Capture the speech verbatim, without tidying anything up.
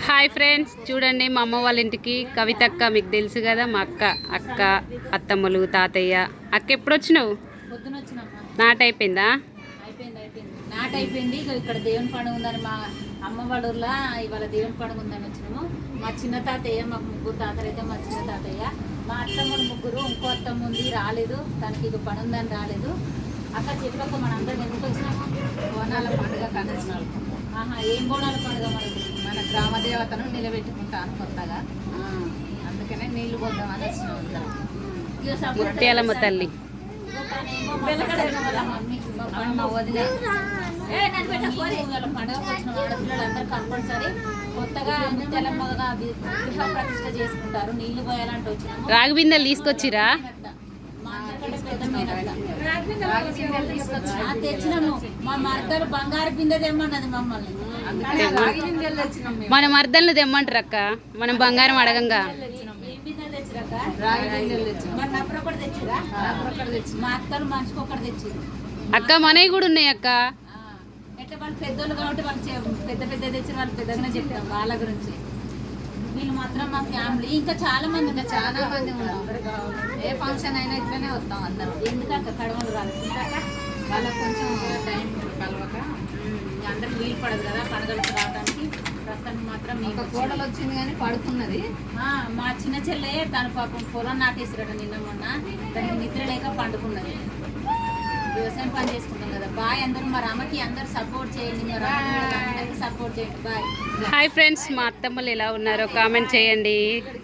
Hi friends, చూడండి మా అమ్మ వాళ్ళ ఇంటికి కవితక్క. మీకు తెలుసు కదా, మా అక్క అక్క అత్తమ్మలు తాతయ్య. అక్క ఎప్పుడు వచ్చినావు? పొద్దున వచ్చినమ్మా. నాట అయిపోయిందా? అయిపోయింది అయిపోయింది నాట అయిపోయింది. ఇక్కడ దేవుని పండుగ ఉందని మా అమ్మ వాళ్ళ ఊర్లో ఇవాళ దేవుని పండుగ ఉందని వచ్చినాము. మా చిన్న తాతయ్య, మాకు ముగ్గురు తాతలు అయితే మా చిన్న తాతయ్య, మా అత్తమ్మలు ముగ్గురు, ఇంకో అత్తమ్మ ఉంది రాలేదు, తనకి ఇది పని ఉందని రాలేదు. అక్క చెప్పక మన అందరం ఎందుకు వచ్చినాము? బోనాల పండుగ కనుగొనాలి. ఆహా, ఏం బోనాల పండుగ మనకి? మన గ్రామ దేవతను నిలబెట్టుకుంటాను కొత్తగా, అందుకనే నీళ్లు పోద్దామని వచ్చినాం అందరం. ఇక సపోర్ట్ ముత్యాలమ్మ తల్లి. పండుగలందరూ కంపల్సరీ కొత్తగా ముత్యాలమ్మగా గృహ ప్రతిష్ట చేసుకుంటారు. నీళ్లు పోయాలంటే వచ్చినాము. రాగి బిందెలు తీసుకొచ్చిరా? మా అందరికంటే పెద్ద మేనత్త తెచ్చినాము. మా మరదలు బంగారు బిందె తెమ్మన్నది మమ్మల్ని. రాగి బిందెలు తెచ్చినాం మేము. మన మర్దల్ని తెమ్మంటారు అక్క, మనం బంగారం అడగంగా. ఏం బిందెలు తెచ్చిరాక? రాగి బిందెలు తెచ్చినాం. మరి నప్పుడు ఒకటి తెచ్చిరా? ఒకటి తెచ్చి మా అత్తలు మనిషికి ఒకటి తెచ్చిరు. అక్క మనవి కూడా ఉన్నాయి అక్క. ఎట్లా వాళ్ళు పెద్దోళ్ళు కాబట్టి వాళ్ళు చే- పెద్ద పెద్ద తెచ్చిన వాళ్ళు పెద్దగానే చెప్తాం వాళ్ళ గురించి. వీళ్ళు మాత్రం మా ఫ్యామిలీ ఇంకా చాలా మంది ఇంకా ఉన్నారు. చాలా మంది ఉన్నాం. ఏ ఫంక్షన్ అయినా ఇట్లనే వస్తాం అందరం. ఎందుకంటే కడవలు రాదు ఇందాక వాళ్ళకి కొంచెం టైం కలవక అందరికి వీలు పడదు కదా పండుగలకు రావడానికి. ప్రస్తుతానికి మాత్రం ఒక మీకు కోడలు వచ్చింది కానీ పడుతున్నది. ఆ, మా చిన్న చెల్లె తన పాపం పొలం నాటేసిరట నిన్న మొన్న. దానికి నిద్ర లేక పండుకున్నది. వ్యవసాయం పని చేసుకుంటాం కదా. బాయ్ అందరూ. మా అమ్మకి అందరు సపోర్ట్ చేయండి, మా అందరికి సపోర్ట్ చేయండి. బాయ్. హాయ్ ఫ్రెండ్స్, మా అత్తమ్మలు ఎలా ఉన్నారో కామెంట్ చేయండి.